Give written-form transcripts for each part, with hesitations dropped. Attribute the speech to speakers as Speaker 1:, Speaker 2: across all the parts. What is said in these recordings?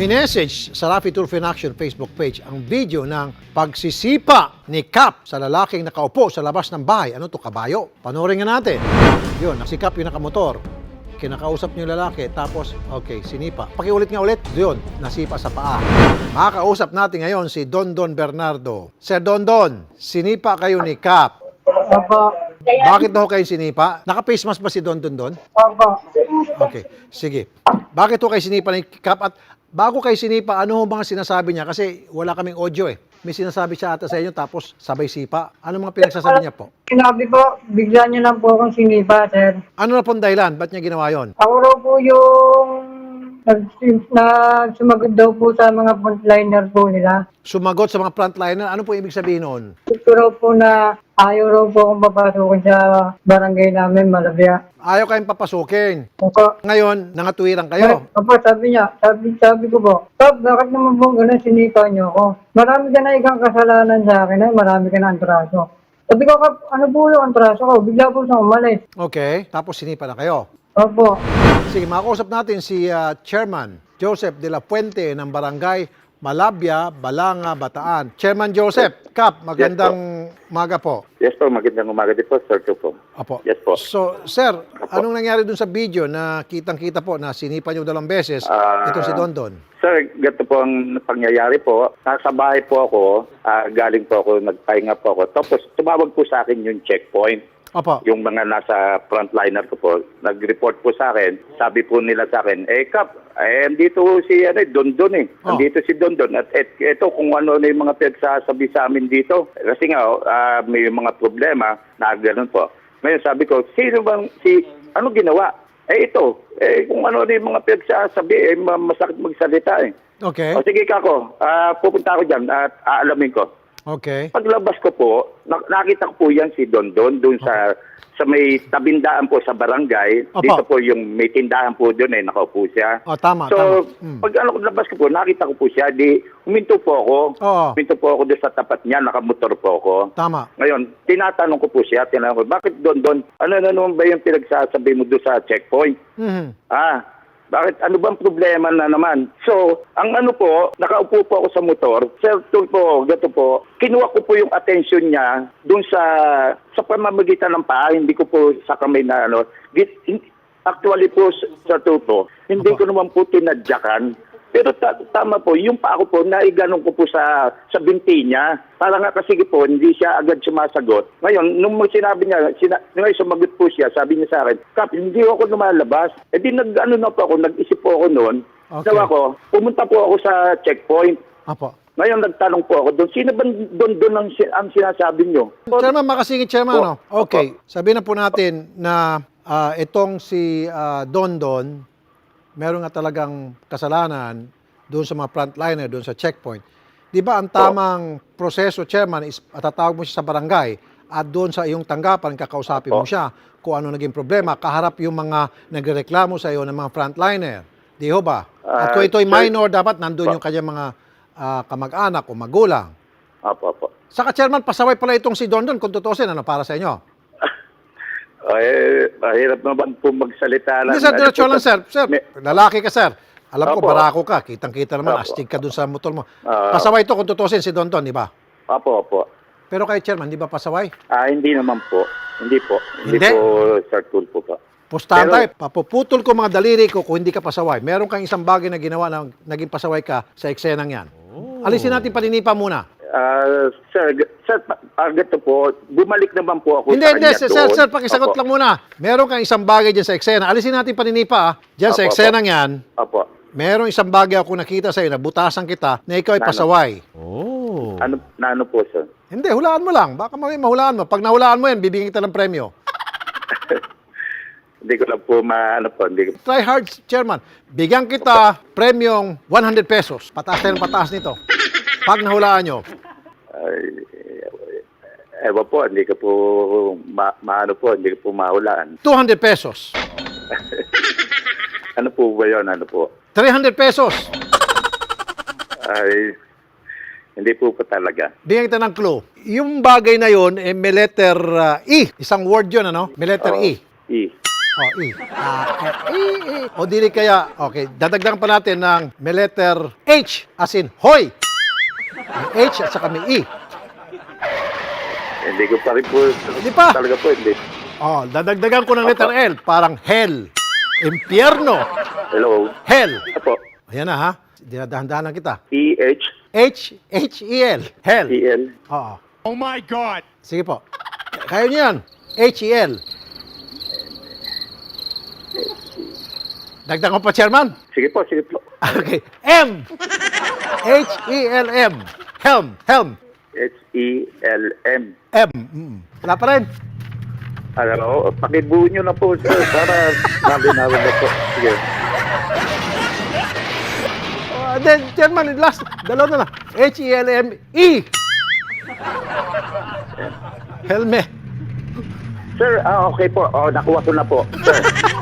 Speaker 1: Minessage sa Raffy Tulfo in Action Facebook page ang video ng pagsisipa ni Cap sa lalaking nakaupo sa labas ng bahay. Ano to, kabayo? Panoorin nga natin. Yun, si Cap yung nakamotor. Kinakausap niyo yung lalaki, tapos, okay, sinipa. Pakiulit nga ulit. Yun, nasipa sa paa. Makakausap natin ngayon si Don Bernardo. Sir Don, sinipa kayo ni Cap.
Speaker 2: Opo.
Speaker 1: Bakit daw kayo sinipa? Naka-face mask ba si Don?
Speaker 2: Opo.
Speaker 1: Okay, sige. Bakit ho kayo sinipa ni Cap? At bago kayo sinipa, ano ho mga sinasabi niya? Kasi wala kaming audio eh. May sinasabi siya ata sa inyo tapos sabay sipa. Ano mga pinagsasabi niya po?
Speaker 2: Sinabi po, bigla niyo lang po akong sinipa, sir.
Speaker 1: Ano na pong dahilan? Ba't niya ginawa yon?
Speaker 2: Ako raw po yung sumagot daw po sa mga frontliner po nila.
Speaker 1: Sumagot sa mga frontliner. Ano po ibig sabihin noon?
Speaker 2: Ito raw po na ayaw raw po akong papasukin sa barangay namin, Malabya.
Speaker 1: Ayaw kayong papasukin.
Speaker 2: Opo.
Speaker 1: Ngayon, nangatwiran kayo.
Speaker 2: Opo, sabi niya, sabi ko po, Tab, bakit naman po ganun sinipa niyo ako? Marami ka na ikang kasalanan sa akin, ay marami ka na antraso. Sabi ko, Kap, ano po yung antraso ko? Bigla po siyang umalis.
Speaker 1: Okay, tapos sinipa na kayo.
Speaker 2: Opo.
Speaker 1: Sige, makausap natin si Chairman Joseph de la Fuente ng Barangay Malabya, Balanga, Bataan. Chairman Joseph, Cap, magandang umaga po.
Speaker 3: Yes po, magandang umaga din po, Sir Tupo.
Speaker 1: Apo.
Speaker 3: Yes po.
Speaker 1: So, sir, anong nangyari dun sa video na kitang-kita po na sinipa niyo dalawang beses itong si Don?
Speaker 3: Sir, ganito po ang pangyayari po. Nasa bahay po ako, galing po ako, nagpahinga po ako. Tapos tumawag po sa akin yung checkpoint.
Speaker 1: Opo.
Speaker 3: Yung mga nasa frontliner ko po, nag-report po sa akin. Sabi po nila sa akin, Kap, andito si Don eh. Andito si Don. At ito kung ano na yung mga pinagsasabi sa amin dito. Kasi nga, may mga problema na gano'n po. Ngayon sabi ko, ano ginawa? Ito. Kung ano na yung mga pinagsasabi, masakit magsalita eh.
Speaker 1: Okay.
Speaker 3: O sige kako, pupunta ako dyan at aalamin ko.
Speaker 1: Okay.
Speaker 3: Paglabas ko po, nakita ko po yan si Don doon sa may tabindaan po sa barangay.
Speaker 1: Opo.
Speaker 3: Dito po yung may tindahan po doon nakaupo siya.
Speaker 1: Oh, tama,
Speaker 3: So,
Speaker 1: tama.
Speaker 3: pag labas ko po, nakita ko po siya, huminto po ako.
Speaker 1: Oo.
Speaker 3: Huminto po ako doon sa tapat niya, nakamotor po ako.
Speaker 1: Tama.
Speaker 3: Ngayon, tinatanong ko po siya, bakit Don, ano na naman ba yung pinagsasabi mo doon sa checkpoint?
Speaker 1: Mhm.
Speaker 3: Bakit? Ano bang problema na naman? So, ang ano po, nakaupo po ako sa motor. Sir Tulfo, gato po, kinuha ko po yung attention niya dun sa pamamagitan ng paa. Hindi ko po sa kamay na ano. Actually po, Sir Tulfo, hindi ko naman po tinadyakan. Pero tama po, yung paa ko po, naiganong ko po sa binti niya. Para nga kasi po, hindi siya agad sumasagot. Ngayon, nung sinabi niya, ngayon sumagot po siya, sabi niya sa akin, Kap, hindi ako lumalabas. Di nag-isip po ako noon.
Speaker 1: Okay.
Speaker 3: Nawa ko, pumunta po ako sa checkpoint.
Speaker 1: Apo.
Speaker 3: Ngayon, nagtanong po ako doon, sino ba doon ang sinasabi niyo?
Speaker 1: Chairman, makasingit, Chairman, ano? Okay. Sabihin na po natin na itong si Don, meron nga talagang kasalanan doon sa mga frontliner, doon sa checkpoint. Di ba ang tamang proseso, Chairman, is tatawag mo siya sa barangay at doon sa iyong tanggapan, kakausapin mo siya kung ano naging problema, kaharap yung mga nagreklamo sa iyo ng mga frontliner. Di ho ba? At kung ito'y minor, dapat nandun yung kanyang mga kamag-anak o magulang.
Speaker 3: Opo.
Speaker 1: Saka, Chairman, pasaway pala itong si Don kung tutusin, ano para sa inyo?
Speaker 3: Mahirap naman po magsalita lang.
Speaker 1: Hindi, sir, diretso lang, sir. Sir, lalaki ka, sir. Alam ko,
Speaker 3: Opo.
Speaker 1: barako ka. Kitang-kita naman,
Speaker 3: Opo.
Speaker 1: astig ka dun sa motor mo. Pasaway ito kung tutusin si Don, di ba?
Speaker 3: Opo.
Speaker 1: Pero kay Chairman, di ba pasaway?
Speaker 3: Hindi naman po. Hindi po.
Speaker 1: Hindi?
Speaker 3: Hindi po, Sir Tulfo po.
Speaker 1: Pustahan
Speaker 3: Pero-
Speaker 1: tayo, papuputol ko mga daliri ko kung hindi ka pasaway. Meron kang isang bagay na ginawa na naging pasaway ka sa eksenang yan. Alisin natin paninipa muna.
Speaker 3: Sir, ganito po, bumalik naman po ako
Speaker 1: Hindi,
Speaker 3: sa kanya doon.
Speaker 1: sir, pakisagot
Speaker 3: Opo.
Speaker 1: lang muna. Meron kang isang bagay dyan sa eksena. Alisin natin paninipa, Diyan sa
Speaker 3: Opo,
Speaker 1: eksenang yan,
Speaker 3: Opo.
Speaker 1: meron isang bagay ako nakita sa'yo, nabutasan kita, na ikaw ay
Speaker 3: Ano?
Speaker 1: pasaway.
Speaker 3: Ano po, sir?
Speaker 1: Hindi, hulaan mo lang. Baka mahulaan mo. Pag nahulaan mo yan, bibigyan kita ng premyo.
Speaker 3: Hindi ko lang po hindi ko.
Speaker 1: Try hard, Chairman. Bigyan kita premyong 100 pesos. Pataas tayo ng pataas nito. Pag nahulaan nyo.
Speaker 3: Ewan po, hindi ko po, hindi ko po mahulaan.
Speaker 1: 200 pesos.
Speaker 3: Ano po ba yun? Ano po?
Speaker 1: 300 pesos.
Speaker 3: Hindi po talaga.
Speaker 1: Bigyan kita ng clue. Yung bagay na yun, may letter E. Isang word yun, ano? May letter E.
Speaker 3: E.
Speaker 1: O, E. O, dili kaya, okay, dadagdagan pa natin ng may letter H, as in, hoy. May H at saka may E.
Speaker 3: Hindi ko pa rin po.
Speaker 1: Hindi pa.
Speaker 3: Talaga po, hindi.
Speaker 1: O, dadagdagan ko ng letter L, parang hell. Impyerno.
Speaker 3: Hello.
Speaker 1: Hell.
Speaker 3: Apo.
Speaker 1: Ayan na, ha? Dinadahan-dahan na kita.
Speaker 3: E-H-E-L.
Speaker 1: H-E-L. Hell. Oo.
Speaker 4: Oh my God!
Speaker 1: Sige po. Kaya niyo yan. H-E-L. Dagdag ko pa, Chairman.
Speaker 3: Sige po, sige po.
Speaker 1: Okay. M. H-E-L-M. Helm. Helm.
Speaker 3: H-E-L-M.
Speaker 1: M. Wala pa rin.
Speaker 3: Ano, pakibuo nyo na po, sir, para nabi-nabi na po. Sige.
Speaker 1: Then, Chairman, last. Dalawa na lang. H-E-L-M-E. Helme.
Speaker 3: Sir, okay po. Nakuha ko na po. Sir,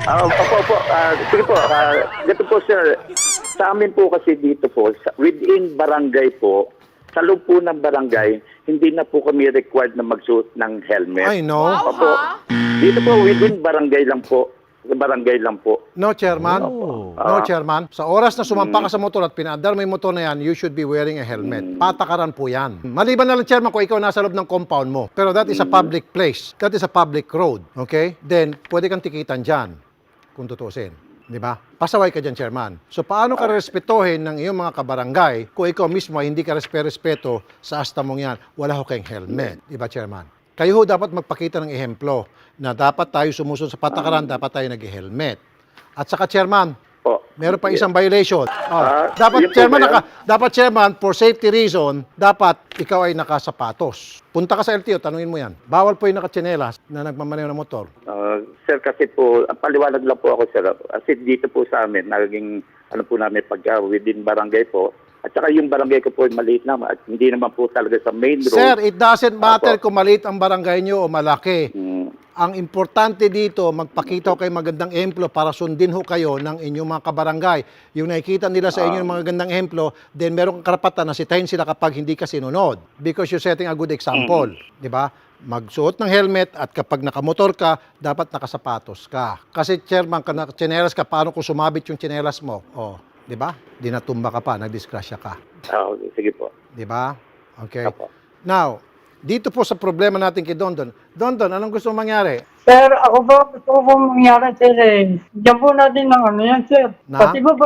Speaker 3: opo. Sige po. Ganito po, sir. Sa amin po kasi dito po, within barangay po, sa loob po ng barangay, hindi na po kami required na magsuot ng helmet.
Speaker 1: I know.
Speaker 3: Opo. Dito po, within barangay lang po. Barangay lang po.
Speaker 1: No, Chairman. No, Chairman. Sa oras na sumampa ka sa motor at pinaandar mo yung motor na yan, you should be wearing a helmet. Patakaran po yan. Maliban na lang, Chairman, kung ikaw nasa loob ng compound mo. Pero that is a public place. That is a public road. Okay? Then, pwede kang tikitan dyan. Kung tutusin. Di ba? Pasaway ka dyan, Chairman. So, paano ka respetuhin ng iyong mga kabarangay kung ikaw mismo ay hindi ka respeto sa asta mong yan? Wala ho kayong helmet. Di ba, Chairman? Kayo ho dapat magpakita ng ehemplo na dapat tayo sumusunod sa patakaran, dapat tayo nag-helmet. At saka, Chairman,
Speaker 3: Po.
Speaker 1: meron pa isang violation.
Speaker 3: yun po
Speaker 1: Dapat, Chairman, for safety reason, dapat ikaw ay nakasapatos. Punta ka sa LTO, tanungin mo yan. Bawal po yung nakatsinelas na nagmamaneho ng motor.
Speaker 3: Sir, kasi po, paliwanag lang po ako, sir. Kasi dito po sa amin, naging, ano po namin, pagka within barangay po, at saka yung barangay ko po maliit naman at hindi naman po talaga sa main road.
Speaker 1: Sir, it doesn't matter
Speaker 3: Opo.
Speaker 1: kung maliit ang barangay nyo o malaki.
Speaker 3: Mm.
Speaker 1: Ang importante dito, magpakita ko kayo magandang ehemplo para sundin ho kayo ng inyong mga kabarangay. Yung nakikita nila sa inyo ng mga gandang ehemplo, then meron kang karapatan na sitahin sila kapag hindi ka sinunod. Because you're setting a good example. Di ba? Magsuot ng helmet at kapag nakamotor ka, dapat nakasapatos ka. Kasi chairman, tsinelas ka, paano kung sumabit yung tsinelas mo? Oh, di ba? Di natumba ka pa, nagdisgrasya ka.
Speaker 3: Sige po.
Speaker 1: Di ba? Okay.
Speaker 3: Opo.
Speaker 1: Now, dito po sa problema natin kay Dondon. Dondon, anong gusto mong mangyari?
Speaker 2: Sir, ako po, gusto ko po mangyari, sir, eh. Diyan po natin ng ano yan, sir.
Speaker 1: Na?
Speaker 2: Kasi po,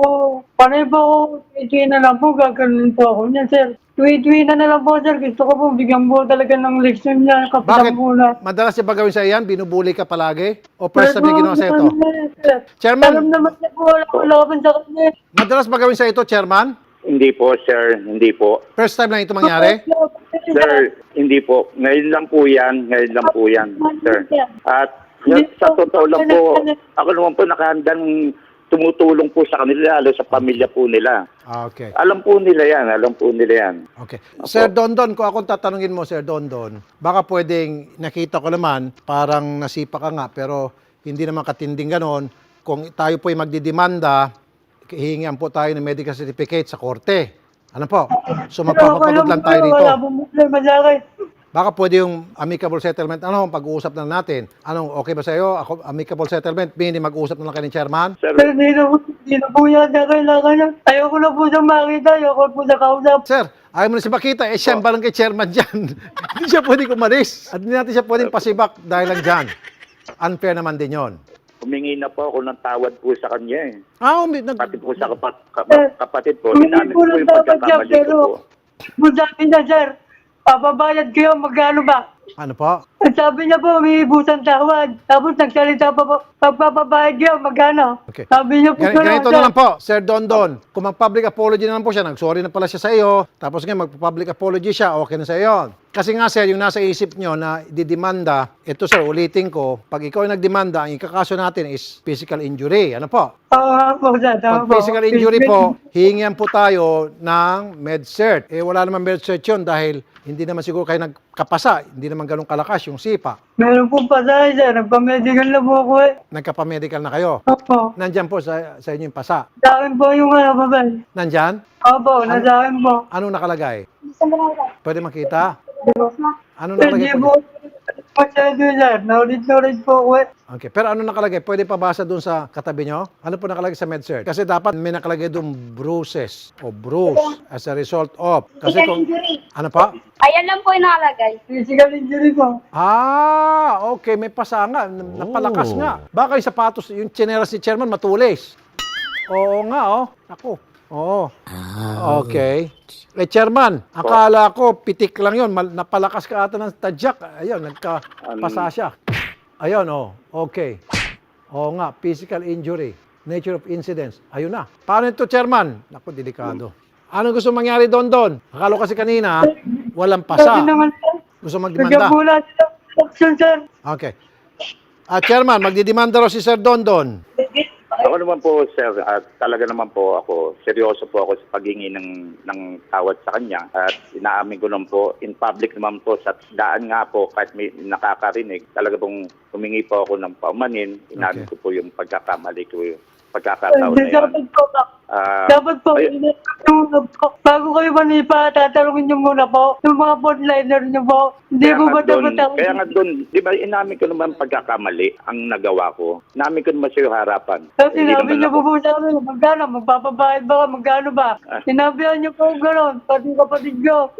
Speaker 2: panay po, tuwi na lang po, gagawin po ako niyan, sir. Tuwi na lang po, sir. Gusto ko po, bigyan po talaga ng leksyon niya,
Speaker 1: Bakit?
Speaker 2: kapitan po na.
Speaker 1: Madalas niya ba gawin sa iyan? Binubuli ka palagi? O first time niya ginawa sa ito?
Speaker 2: Chairman,
Speaker 1: Chairman.
Speaker 2: alam naman niya po, wala ko sa kanya.
Speaker 1: Madalas ba gawin sa ito, Chairman?
Speaker 3: Hindi po, sir. Hindi po.
Speaker 1: First time lang ito mangyari?
Speaker 3: Sir, hindi po. Ngayon lang po yan. Ngayon lang po yan, sir. At sa totoo lang po, ako naman po nakahandang tumutulong po sa kanila, lalo sa pamilya po nila.
Speaker 1: Okay.
Speaker 3: Alam po nila yan. Alam po nila yan.
Speaker 1: Okay. Sir Dondon, kung akong tatanungin mo, Sir Dondon, baka pwedeng nakita ko naman, parang nasipa ka nga, pero hindi naman katinding ganon. Kung tayo po ay magdidemanda, hihingian po tayo ng medical certificate sa korte. Ano po? So magpapapagod lang tayo rito.
Speaker 2: Wala pong problema sa akin.
Speaker 1: Baka pwede yung amicable settlement. Ano, pag-uusap na natin. Anong okay ba sa iyo? Ako, amicable settlement, meaning mag-uusap na lang kayo ng chairman?
Speaker 3: Sir,
Speaker 2: Pero hindi na po yan na kailangan. Ayoko na po siyang makita, ayoko po sa kausap.
Speaker 1: Sir, ayaw mo na si Bakita, siya ang barangay chairman dyan. Hindi siya pwedeng umalis. At hindi natin siya pwedeng pasibak dahil lang dyan. Unfair naman din yon.
Speaker 3: humingi na po ako ng tawad po sa kanya eh. Pati po sa kapatid po.
Speaker 2: Humingi
Speaker 3: Inamin
Speaker 2: po
Speaker 3: ko po
Speaker 2: ng
Speaker 3: yung
Speaker 2: tawad siya,
Speaker 3: pagkakamali ko
Speaker 2: pero
Speaker 3: po.
Speaker 2: kung sabi niya, sir, papabayad kayo, magkano ba?
Speaker 1: Ano po?
Speaker 2: At sabi niya po, may ibusang tawad. Tapos nagsalita pa po, pagpapabayad kayo, magkano?
Speaker 1: Okay.
Speaker 2: Sabi niya po,
Speaker 1: Ganito na lang po, Sir Dondon. Kung mag-public apology na lang po siya, nag-sorry na pala siya sa iyo, tapos ngayon mag-public apology siya, okay na sa iyo. Kasi nga sir, yung nasa isip nyo na didemanda, ito sir, ulitin ko, pag ikaw ay nagdemanda, ang ikakaso natin is physical injury. Ano po?
Speaker 2: Oo nga po, sir.
Speaker 1: Pag
Speaker 2: Tama po.
Speaker 1: physical injury po, hihingian po tayo ng med-cert. Eh wala naman med-cert yun dahil hindi naman siguro kayo nagkapasa, hindi naman ganun kalakas yung sipa.
Speaker 2: Meron pong pasahe, sir. Nagpa-medical na po ako eh.
Speaker 1: Nagkapamedical na kayo.
Speaker 2: Opo.
Speaker 1: Nandyan po sa inyo yung pasa.
Speaker 2: Sa akin po yung babay.
Speaker 1: Nandyan?
Speaker 2: Opo, nasa akin po.
Speaker 1: Anong nakalagay? Pwede makita? Anong
Speaker 2: Sir,
Speaker 1: nakalagay
Speaker 2: di
Speaker 1: po?
Speaker 2: po. Masyado, sir. Naulit po ako eh.
Speaker 1: Okay. Pero ano nakalagay? Pwede pa basa doon sa katabi nyo? Ano po nakalagay sa MedSearch? Kasi dapat may nakalagay doon bruises o bruise as a result of. Kasi
Speaker 4: Physical
Speaker 1: kung,
Speaker 4: injury.
Speaker 1: ano pa?
Speaker 4: Ayan lang po yung nakalagay.
Speaker 2: Physical injury po.
Speaker 1: Okay. May pasa nga. Napalakas nga. Baka yung sapatos, yung tsinelas ni Chairman matulis. Oo nga, oh. Ako. Oo. Okay. Chairman, akala ko pitik lang yon. Napalakas ka ata ng tadyak. Ayun, nagkapasa siya. Ayun, oh. Okay. Oo nga, physical injury. Nature of incidents. Ayun na. Paano ito, Chairman? Naku, delikado. Ano gusto mangyari doon? Akala ko kasi kanina, walang pasa.
Speaker 2: Sabi naman,
Speaker 1: Gusto magdemanda.
Speaker 2: nagkabula sila option, sir.
Speaker 1: Okay. Chairman, magdidemanda raw si Sir Dondon.
Speaker 3: Ako naman po, sir, at talaga naman po ako, seryoso po ako sa paghingi ng tawad sa kanya. At inaamin ko naman po, in public naman po, sa daan nga po, kahit may nakakarinig, talaga pong humingi po ako ng paumanin. Inamin ko po yung pagkakamali ko, yung pagkakataon na yun.
Speaker 2: Dapat po,
Speaker 3: ayun.
Speaker 2: bago kayo manipa, tatanungin niyo muna po yung mga frontliner niyo po. Hindi po ba dapat ako?
Speaker 3: Kaya nga doon, di ba, inamin ko naman pagkakamali ang nagawa ko. Inamin ko naman sa iyo harapan.
Speaker 2: Kasi
Speaker 3: Hindi
Speaker 2: sinabi
Speaker 3: naman
Speaker 2: niyo
Speaker 3: ako-
Speaker 2: po sa amin, magkano, magpapabayad ba, magkano ba? Sinabihan niyo po gano'n, pati kapatid niyo.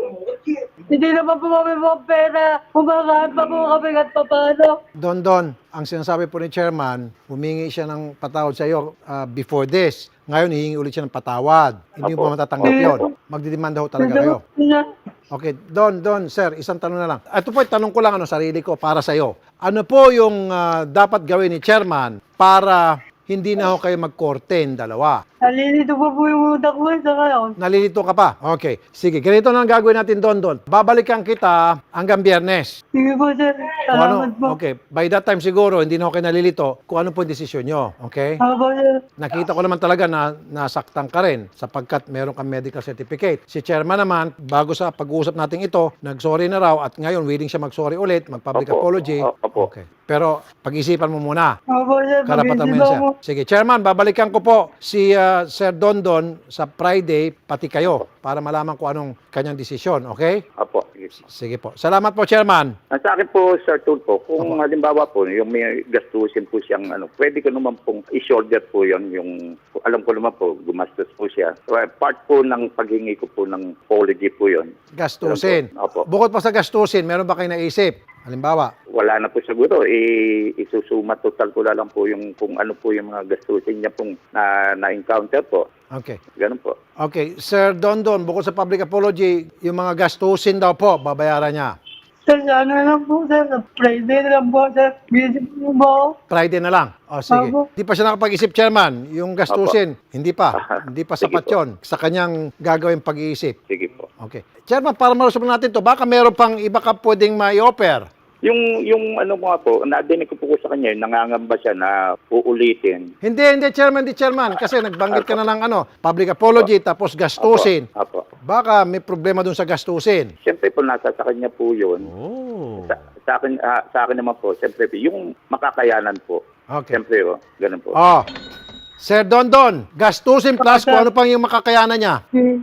Speaker 2: Hindi naman po kami mga pera, kumakain pa po kami at paano.
Speaker 1: Dondon, ang sinasabi po ni Chairman, humingi siya ng patawad sa iyo before this. Ngayon, hihingi ulit siya ng patawad. Hindi mo
Speaker 3: Apo.
Speaker 1: ba matatanggap yun? Magdidemanda ho talaga kayo. Okay, Don, sir, isang tanong na lang. Ito po, tanong ko lang, sarili ko, para sa iyo. Ano po yung dapat gawin ni Chairman para hindi na ho kayo magkorte dalawa?
Speaker 2: Nalilito po yung utak ko sa ngayon.
Speaker 1: Nalilito ka pa? Okay. Sige, ganito na ang gagawin natin, Don. Babalikan kita hanggang Biyernes.
Speaker 2: Sige po, sir.
Speaker 1: Kung
Speaker 2: Salamat po.
Speaker 1: okay. By that time siguro, hindi na ako kayo nalilito kung ano po yung desisyon nyo. Okay?
Speaker 2: Ako po, sir.
Speaker 1: Nakita ko naman talaga na nasaktan ka rin sapagkat meron kang medical certificate. Si Chairman naman, bago sa pag-uusap natin ito, nag-sorry na raw at ngayon willing siya mag-sorry ulit, mag-public
Speaker 3: Opo.
Speaker 1: apology.
Speaker 3: Opo.
Speaker 1: Okay. Pero pag-isipan mo muna.
Speaker 2: Ako po, sir.
Speaker 1: Karapatan mo
Speaker 2: Mag-isip
Speaker 1: yan, sir.
Speaker 2: ako.
Speaker 1: Sige, Chairman, babalikan ko po si Sir Dondon sa Friday, pati kayo, para malaman kung anong kanyang desisyon. Okay?
Speaker 3: Apo, sige.
Speaker 1: Sige po. Salamat po, Chairman.
Speaker 3: Ang sa akin po, Sir Tulfo, kung halimbawa po, yung may gastusin po siyang, pwede ko naman pong i-shoulder po yun, yung, alam ko naman po, gumastos po siya. So, part po ng paghingi ko po ng apology po yun.
Speaker 1: Gastusin.
Speaker 3: Opo.
Speaker 1: Bukod pa sa gastusin, meron ba kayo naisip? Halimbawa,
Speaker 3: Wala na po siguro, isusuma total ko na lang po yung, kung ano po yung mga gastusin niya pong na-encounter po.
Speaker 1: okay.
Speaker 3: Ganun po.
Speaker 1: Okay, Sir Dondon, bukod sa public apology, yung mga gastusin daw po, babayaran niya.
Speaker 2: Sir, ano lang po, sir. Friday na lang po, sir. Busy po ba ako?
Speaker 1: Friday na lang. O sige.
Speaker 2: Opo.
Speaker 1: Hindi pa siya nakapag-isip, Chairman. Yung gastusin, hindi pa. Hindi pa
Speaker 3: Sige
Speaker 1: sapat
Speaker 3: po.
Speaker 1: yun sa kanyang gagawin pag-iisip.
Speaker 3: Sige po.
Speaker 1: Okay. Chairman, para malusob natin to, baka meron pang iba ka pwedeng ma-offer.
Speaker 3: Yung ano mga po, nadinig ko po sa kanya, nangangamba siya na uulitin.
Speaker 1: Hindi, Chairman. Kasi nagbanggit ka na ng public apology, tapos gastusin.
Speaker 3: Apo.
Speaker 1: Baka may problema dun sa gastusin.
Speaker 3: Siyempre po, nasa sa kanya po yun.
Speaker 1: Oh.
Speaker 3: Sa akin naman po, siyempre po, yung makakayanan po.
Speaker 1: Okay.
Speaker 3: Siyempre po, ganun po.
Speaker 1: Oh. Sir Dondon, gastusin plus kung ano pang yung makakayanan niya.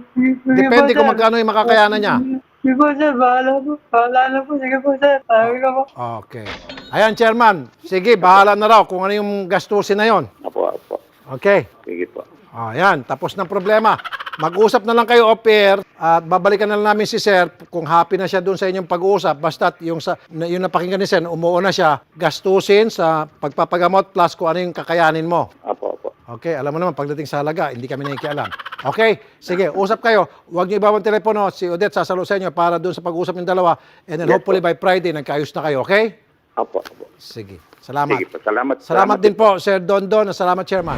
Speaker 1: Depende kung magkano yung makakayanan niya.
Speaker 2: Sige po, sir. Bahala po. Bahala na po. Sige po, sir. Sabi ko po.
Speaker 1: Okay. Ayan, Chairman. Sige, bahala na raw kung ano yung gastusin na yon.
Speaker 3: Apo.
Speaker 1: Okay.
Speaker 3: Sige po.
Speaker 1: Ayan, tapos ng problema. Mag-usap na lang kayo off-air at babalikan na lang namin si Sir kung happy na siya doon sa inyong pag-uusap. Basta't yung napakinggan ni Sir, umuo na siya, gastusin sa pagpapagamot plus kung ano yung kakayanin mo.
Speaker 3: Apo.
Speaker 1: Okay, alam mo naman, pagdating sa halaga, hindi kami nakikialam. Okay, sige, usap kayo. Huwag niyo ibawang telepono. Si Odette sasalo sa inyo para doon sa pag-usap ng dalawa. And then
Speaker 3: Yes,
Speaker 1: hopefully by Friday, nagkaayos na kayo, okay?
Speaker 3: Apo.
Speaker 1: Sige, salamat.
Speaker 3: Sige po, salamat.
Speaker 1: Salamat din po, Sir Dondon. Salamat, Chairman.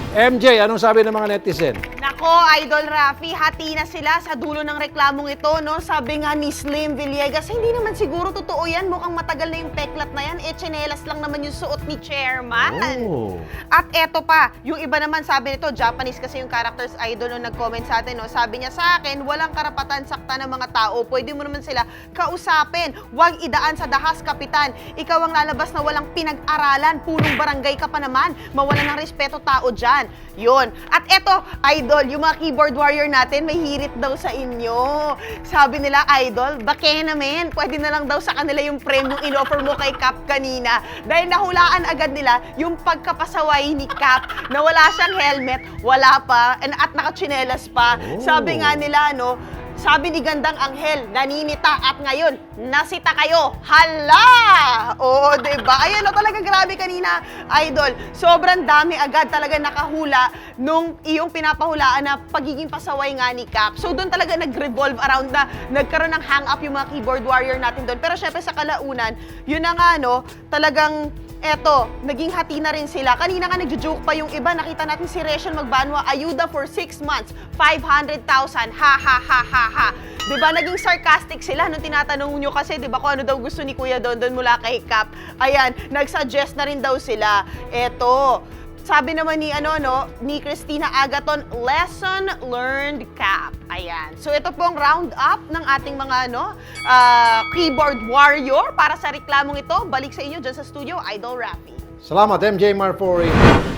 Speaker 1: MJ, anong sabi ng mga netizen?
Speaker 5: Nako, Idol Rafi, hati na sila sa dulo ng reklamong ito, no? Sabi nga ni Slim Villegas, hindi naman siguro totoo yan. Mukhang matagal na yung peklat na yan. Tsinelas lang naman yung suot ni Chairman. At eto pa, yung iba naman sabi nito, Japanese kasi yung characters idol no nag-comment sa atin, no? Sabi niya sa akin, walang karapatan sakta ng mga tao. Pwede mo naman sila kausapin. Huwag idaan sa dahas, kapitan. Ikaw ang lalabas na walang pinag-aralan. Punong barangay ka pa naman. Mawalan ng respeto tao dyan. Yun. At eto, idol, yung mga keyboard warrior natin, may hirit daw sa inyo. Sabi nila, Idol, bake naman. Pwede na lang daw sa kanila yung premyo in-offer mo kay Cap kanina. Dahil nahulaan agad nila yung pagkapasaway ni Cap na wala siyang helmet, wala pa, at nakatsinelas pa. Sabi nga nila, no, sabi ni Gandang Anghel, naninita at ngayon, nasita kayo. Hala! Oo, diba? Ayan o, talaga grabe kanina, Idol. Sobrang dami agad talaga nakahula nung iyong pinapahulaan na pagiging pasaway nga ni Cap. So doon talaga nag-revolve around na nagkaroon ng hang-up yung mga keyboard warrior natin doon. Pero syempre sa kalaunan, yun na nga, no, talagang eto, naging hati na rin sila. Kanina nga nagjo-joke pa yung iba. Nakita natin si Rachel Magbanwa, ayuda for 6 months, 500,000. Ha, ha, ha, ha, ha. Diba, naging sarcastic sila nung tinatanong nyo kasi, diba, kung ano daw gusto ni Kuya Dondon mula kay Cap. Ayan, nag-suggest na rin daw sila. Eto, sabi naman ni ni Christina Agaton, lesson learned, Cap. Ayan. So ito pong round up ng ating mga keyboard warrior para sa reklamong ito. Balik sa inyo dyan sa studio, Idol Rafi.
Speaker 1: Salamat, MJ Marfori.